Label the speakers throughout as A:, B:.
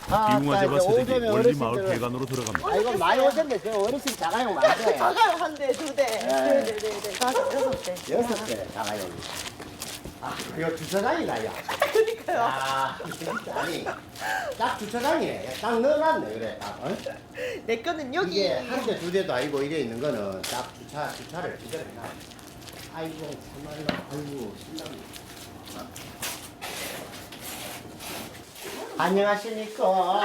A: 비웅아재와 새댁이 원리마을 회관으로 들어갑니다.
B: 아, 이거 많이 오셨네. 저 어르신 자가용 많아요.
C: 자가용 한 대, 두 대. 네네네. 다섯, 여섯 대.
B: 6대 자가용. 아, 이거 주차장이다, 야.
C: 그러니까요.
B: 아, 진짜 아니. 딱 주차장이네. 딱 넣어놨네, 그래. 딱, 어?
C: 내 거는 여기.
B: 이게 한 대, 두 대도 아니고 이래 있는 거는 딱 주차를 제대로 해놔. 아이고, 참말로, 아이고, 신나네. 안녕하십니까.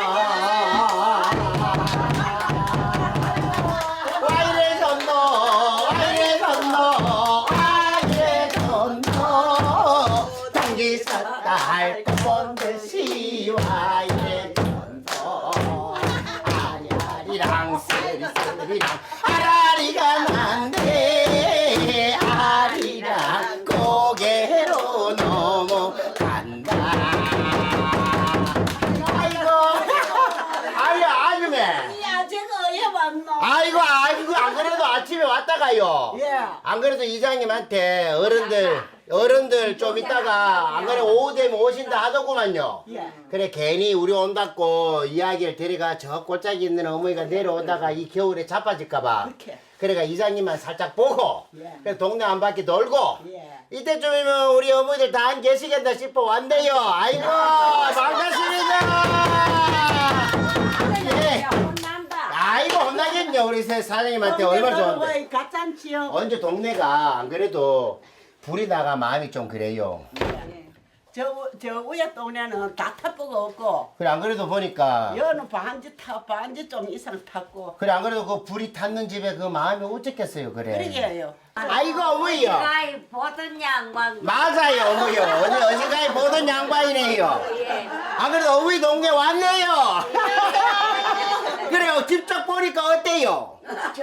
B: 와이래 전노, 와이래 전노, 와이래 전노. 당기 섰다 할 것 본 듯이 와이래 전노. 아리아리랑 쓰리쓰리랑 아라리가 난데 아리랑 고개로 넘어간다. 아이고 안 그래도 아침에 왔다가요.
C: 예.
B: 안 그래도 이장님한테 어른들 좀 있다가 안 그래 오후 되면 오신다 하더구만요.
C: 예.
B: 그래 괜히 우리 온다고 이야기를 데려가 저 골짜기 있는 어머니가 내려오다가 이 겨울에 자빠질까봐.
C: 그렇게.
B: 그래가 이장님만 살짝 보고
C: 예.
B: 그래 동네 한 바퀴 돌고
C: 예.
B: 이때쯤이면 우리 어머니들 다 안 계시겠다 싶어 왔네요. 아이고 반갑습니다. 예. 아이고 혼나겠냐 우리 새 사장님한테 얼마나 좋은데.
C: 가짠지요.
B: 언제 동네가 안 그래도 불이 나가 마음이 좀 그래요.
C: 저 위에 동네는 다 타보가 없고,
B: 그래 안 그래도 보니까
C: 여는 반지 좀 이상 탔고.
B: 그래 안 그래도 그 불이 탔는 집에 그 마음이 어쩌겠어요 그래.
C: 그러게요.
B: 아이고 어머니요.
D: 가이 보던 양반.
B: 맞아요 어머니요. 어제까지 보던 양반이네요.
D: 예.
B: 안 그래도 어머니 동네 왔네요. 그래요 직접 보니까 어때요?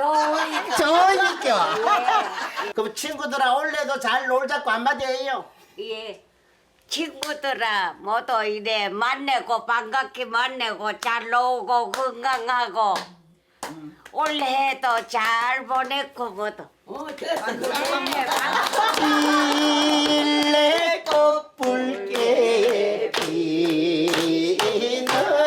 B: 좋으니까. 그럼 친구들아 원래도 잘 놀자고 한마디 해요.
D: 예. 친구들아 모두 이래 만나고 반갑게 만나고 잘 놀고 건강하고 올해도 잘 보냈고 모두.
B: 일레 꽃불게 피는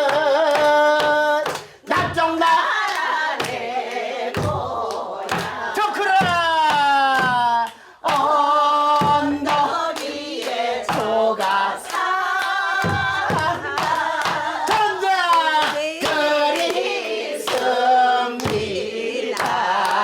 B: 낙정나라의 고향 좋구라 언덕 위에 소가 산다 전자 그리 씁니다.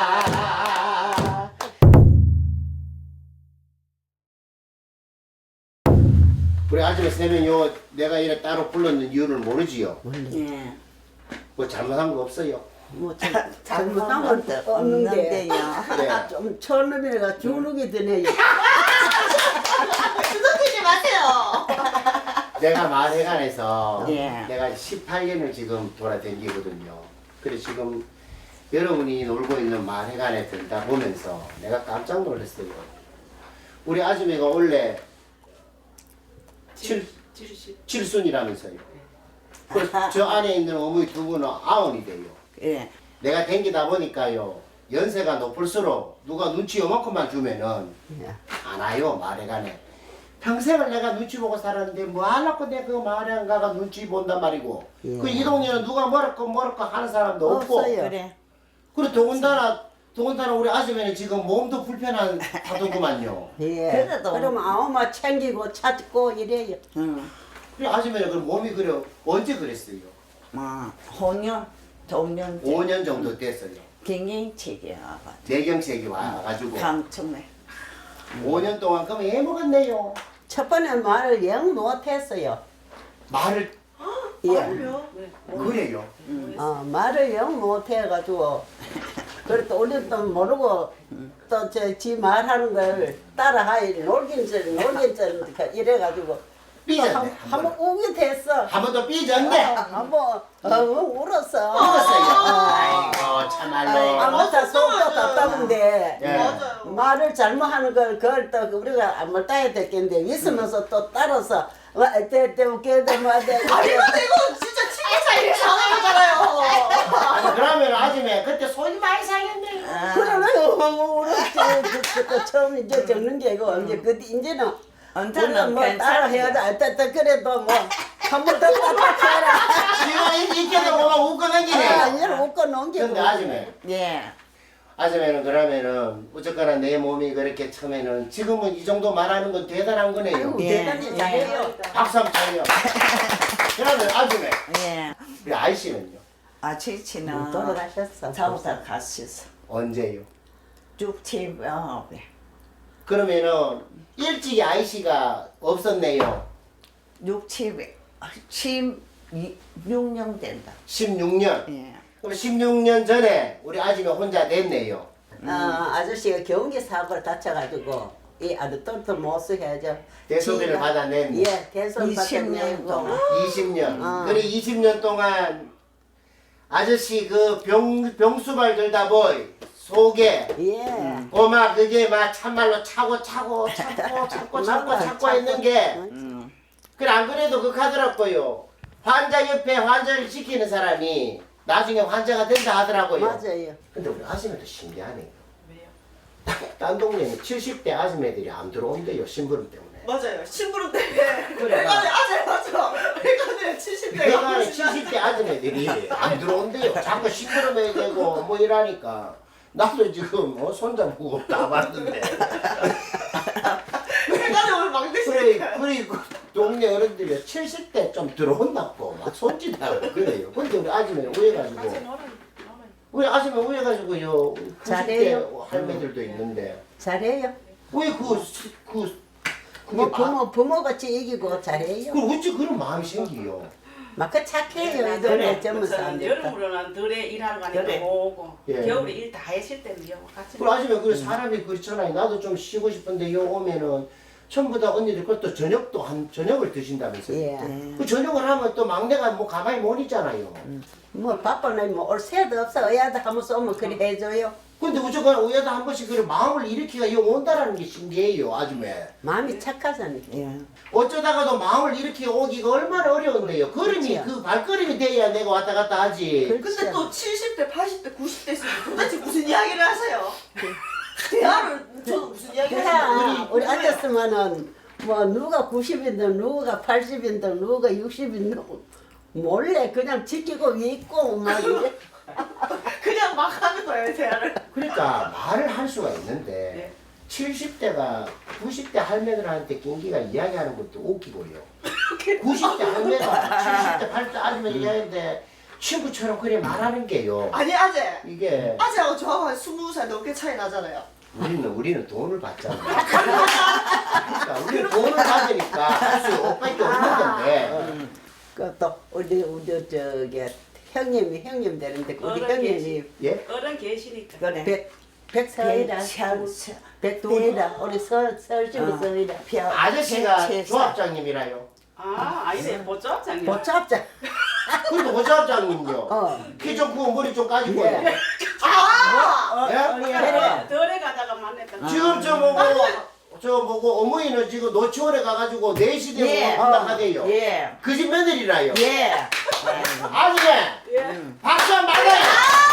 B: 우리 아줌마 세 명이 요 내가 이래 따로 불렀는 이유를 모르지요?
C: 예.
B: 뭐 잘못한 거 없어요?
C: 뭐 잘못한 건 없는데요.
B: 네.
C: 좀 처음에가 주눅이 드네요.
E: 주눅들지 마세요.
B: 내가 마을회관에서
C: 예.
B: 내가 18년을 지금 돌아다니거든요. 그래 지금 여러분이 놀고 있는 마을회관에 들다 보면서 내가 깜짝 놀랐어요. 우리 아줌마가 원래 칠순이라면서요. 그래서 저 안에 있는 어머니 두 분은 아흔이 돼요.
C: 예.
B: 내가 댕기다 보니까요. 연세가 높을수록 누가 눈치 요만큼만 주면은 안 와요 마을회관에. 평생을 내가 눈치 보고 살았는데 뭐 하려고 내가 그 마을회관 가가 눈치 본단 말이고.
C: 예.
B: 그 이 동네는 누가 뭐랄까 하는 사람도 없고.
C: 없어요. 그래.
B: 그리고 더군다나 우리 아줌마는 지금 몸도 불편한 하더구만요.
C: 예.
E: 그래도.
C: 그러면 아우마 챙기고 찾고 이래요. 응.
B: 그래 아줌마는 그럼 몸이 그래 언제 그랬어요?
E: 뭐 5년, 5년
B: 5년 정도 됐어요.
E: 경영책이야.
B: 뇌경색이 와가지고
E: 강청래.
B: 5년 동안 그럼 애 먹었네요.
C: 첫 번에 말을 영 못했어요.
B: 말을
C: 예.
B: 그래요.
C: 말을 영 못해가지고 그래도 우리 또 모르고 또 지 말하는 걸 따라하이 놀긴 이래가지고
B: 삐졌네.
C: 한번 우게 됐어.
B: 한 번 더 삐졌네.
C: 한번 울었어.
B: 아이고 참말로.
C: 아무튼 속도 답답한데
B: 예.
C: 말을 잘못하는 걸 그걸 또 우리가 아무 따야 됐겠는데 있으면서 또 따라서 때때때때때 뭐돼.
E: 아니 근데 이거 진짜 친구 사이에 사는 거잖아요.
B: 아니 그러면 아줌마 그때 손이 많이 상했네.
C: 그러네요. 울었지. 또 처음 이제 적는 게 이거 이제 그 이제는
E: 언제는
C: 우리는 뭐 따라 해야 돼. 그래도 뭐 한 번 더 따라 해라.
B: 지금
C: 묶어놓은 게.
B: 근데 아줌마,
E: 예.
B: 아줌마는 그러면은 어쨌거나 내 몸이 그렇게 처음에는 지금은 이 정도 말하는 건 대단한 거네요.
C: 아이고,
E: 예.
C: 대단히 잘해요.
B: 박수 한번 쳐요. 그러면 아줌마,
E: 예.
B: 우리 아이씨는요?
E: 아치치는
C: 돌아가셨어.
E: 자우사 갔었어.
B: 언제요?
E: 69에.
B: 그러면은 일찍이 아이씨가 없었네요.
E: 16년 된다.
B: 16년.
E: 예.
B: 그럼 16년 전에 우리 아줌마 혼자 냈네요.
C: 아저씨가 경기 사고를 다쳐가지고 이 아들 똘똘 못 쓰게 하죠.
B: 대소비를
C: 지가-
B: 받아냈네.
C: 예, 대소비
E: 20년
C: 받아내고.
E: 동안.
B: 20년. 그래 20년 동안 아저씨 그 병수발 들다 보이 속에
C: 예.
B: 고마 그게 막 참말로 차고 했는 게 그래 안 그래도 그 하더라고요. 환자 옆에 환자를 지키는 사람이 나중에 환자가 된다 하더라고요.
C: 맞아요.
B: 근데 우리 아줌마도 신기하네요. 왜요? 딴 동네는 70대 아줌마들이 안 들어온대요. 심부름 때문에.
E: 맞아요. 심부름 때문에.
B: 그래.
E: 맞아. 회관에 70대가
B: 내가 70대 아줌마들이 안 들어온대요. 자꾸 시끄러워야 되고 뭐 이러니까 나도 지금 손잡고 다 봤는데
E: 회관에 오늘 막
B: 그래 그 동네 어른들이 70대 좀 들어온다고 막 손짓하고 그래요. 근데 우리 아줌마 우해가지고 우리 아줌마 우해가지고요 90대
C: 잘해요.
B: 할매들도 있는데
C: 잘해요.
B: 왜그
C: 뭐 부모같이 이기고 잘해요.
B: 그 어찌 그런 마음이 생기요?
C: 막 그 착해요. 이 동네 젊은
F: 저는
C: 사람들.
F: 여름으로는 들에 일하러 가니까
E: 그래.
F: 오고
B: 예.
F: 겨울에 일 다 하실 때는요 같이
B: 그 아줌마 그 사람이 그렇잖아요. 나도 좀 쉬고 싶은데 요 오면은 전부 다 언니들 그것도 저녁을 드신다면서요.
C: 예.
B: 그 저녁을 하면 또 막내가 뭐 가만히 못 있잖아요.
C: 뭐 바빠는 뭐올 새도 없어. 어야도 한번 쏘면 그리 해줘요.
B: 근데 무조건 우야도 한 번씩 그 마음을 일으키가 요 온다라는 게 신기해요, 아줌마.
C: 마음이 착하잖아요.
E: 예.
B: 어쩌다가도 마음을 일으키고 오기가 얼마나 어려운데요. 걸음이
C: 그렇지요.
B: 그 발걸음이 돼야 내가 왔다 갔다 하지.
E: 근데 또 70대, 80대, 90대 있으면 도대체 무슨 이야기를 하세요? 대화를 저도 무슨 이야기를 하세요?
C: 우리 앉았으면은 뭐 누가 90인데 누가 80인데 누가 60인데 몰래 그냥 지키고 위에 있고 막 이래.
E: 그냥 막 하는 거예요, 대화를.
B: 그러니까 말을 할 수가 있는데
F: 네.
B: 70대가 90대 할매들한테 낑기가 이야기하는 것도 웃기고요. 90대 할매가 70대 80대 아줌마 이야기하는데 친구처럼 그래 말하는 게요.
E: 아니, 아재.
B: 이게
E: 아재하고 저하고 한 20살 넘게 차이 나잖아요.
B: 우리는 돈을 받잖아. 그러니까 우리는 돈을 받으니까 할 수 없밖에 없는 건데.
C: 그또 우리 저기 형님 되는데 우리
F: 어른
C: 형님이
F: 계시-
B: 예?
F: 어른 계시니까
E: 그래.
C: 백서이라 백두이라 우리 서울시고 서이라
B: 아저씨가 조합장님이라요.
F: 아니네 보조장님
C: 보잡자.
B: 그래도 보조합장님요. 키 좀 크고 머리 좀 까지고.
C: 예.
B: 예?
C: 그래.
F: 덜에 가다가 만났던
B: 지금 저 보고 어머니는 지금 노치원에 가가지고 4시 되고
E: 예.
B: 한다하대요.
E: 예.
B: 그 집 며느리라요.
E: 예.
B: 아줌마
F: 예.
B: 박수 한번 받아요.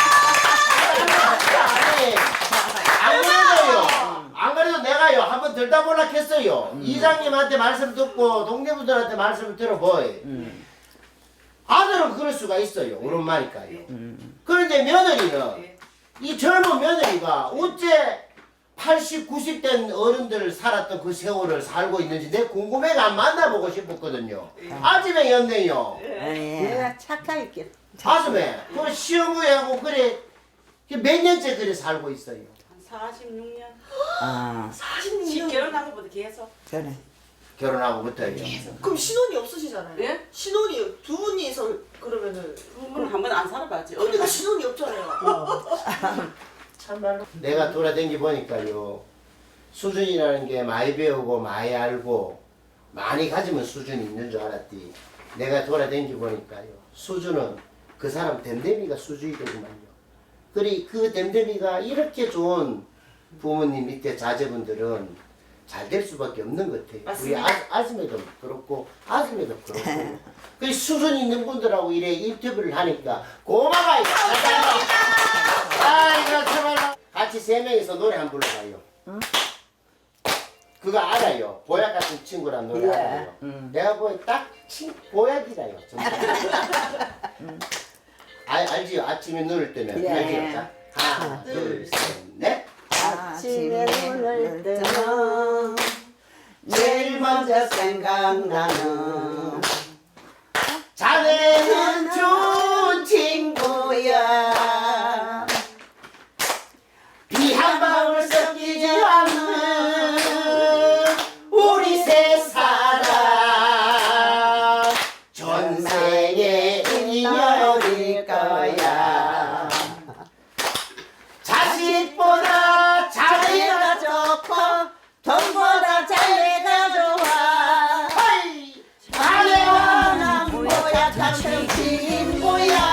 B: 아니, 안 그래도요. 안 그래도 내가요 한번 들다 볼라 했어요. 이장님한테 말씀 듣고 동네분들한테 말씀을 들어보이. 아들은 그럴 수가 있어요. 우리 엄마니까요. 그런데 며느리는
F: 예.
B: 이 젊은 며느리가 어째 80, 90 된 어른들 살았던 그 세월을 살고 있는지 내 궁금해가 안 만나보고 싶었거든요. 아줌마였네요.
E: 예.
C: 내가 착하게.
B: 아줌마, 그 시어머니하고 그래 몇 년째 그래 살고 있어요.
F: 한 46년
E: 아,
F: 40년 결혼한 것보다 계속
E: 그래.
B: 결혼하고부터요.
E: 그럼 신혼이 없으시잖아요.
F: 예?
E: 신혼이 두 분이서 그러면은
F: 부부는 한 번 안 살아봤지
E: 언니가 신혼이 없잖아요.
B: 참말로 내가 돌아다니 보니까요 수준이라는 게 많이 배우고 많이 알고 많이 가지면 수준이 있는 줄 알았디. 내가 돌아다니 보니까요 수준은 그 사람 댐댐이가 수준이 되구만요. 그리 그 댐댐이가 이렇게 좋은 부모님 밑에 자제분들은 잘 될 수밖에 없는 것 같아요.
F: 맞습니다.
B: 우리 아줌마도 그렇고 아줌마도 그렇고 그 수준 있는 분들하고 이래 인터뷰를 하니까 고마워요. 아 이거 참말로 같이 3명이서 노래 한 불러봐요. 그거 알아요. 보약 같은 친구란 노래
C: 예.
B: 알아요. 내가 보니 딱 보약이라요. 정말. 알지요? 아침에 눈을 뜨면.
C: 예.
B: 알지요? 자, 하나, 둘, 셋, 넷.
C: 아침에 눈을 뜨면 제일 먼저 생각나는
B: 자네는 좋은 친구야. 비 한 방울 섞이지 않는 우리 세 사람 전생의 인연일 거야. 자식보다 자네가 좋고
C: 돈보다 자네가 좋아.
B: 자네와
C: 난 뭐야 같은 친구야.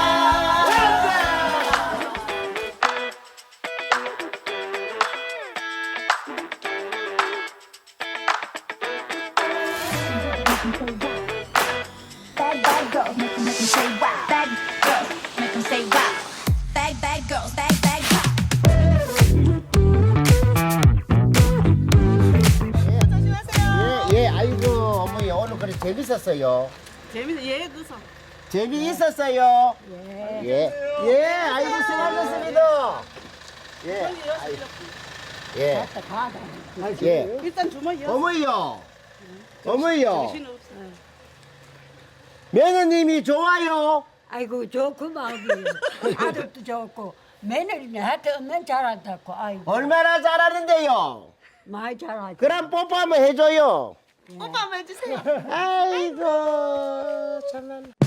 G: Bad, bad girls, make 'em say wow. Bad girls, make 'em say wow. Bad, bad girls, bad, bad girls.
B: 예, 아이고 어머니 오늘 그래 재밌었어요.
F: 재밌어. 그래서.
B: 재미있었어요. 예, 아이고 수고하셨습니다. 예, 예, 예.
F: 일단 주머니
B: 어머니요, 어머니요.
F: 정신 없어.
B: 며느님이 좋아요.
H: 아이고 좋고 마음이에요. 아들도 좋고 며느리는 하여튼 없는 잘한다고. 아이고
B: 얼마나 잘하는데요.
H: 많이 잘하지.
B: 그럼 뽀뽀 한번 해줘요.
E: 뽀뽀 한번 해주세요.
B: 아이고 참나.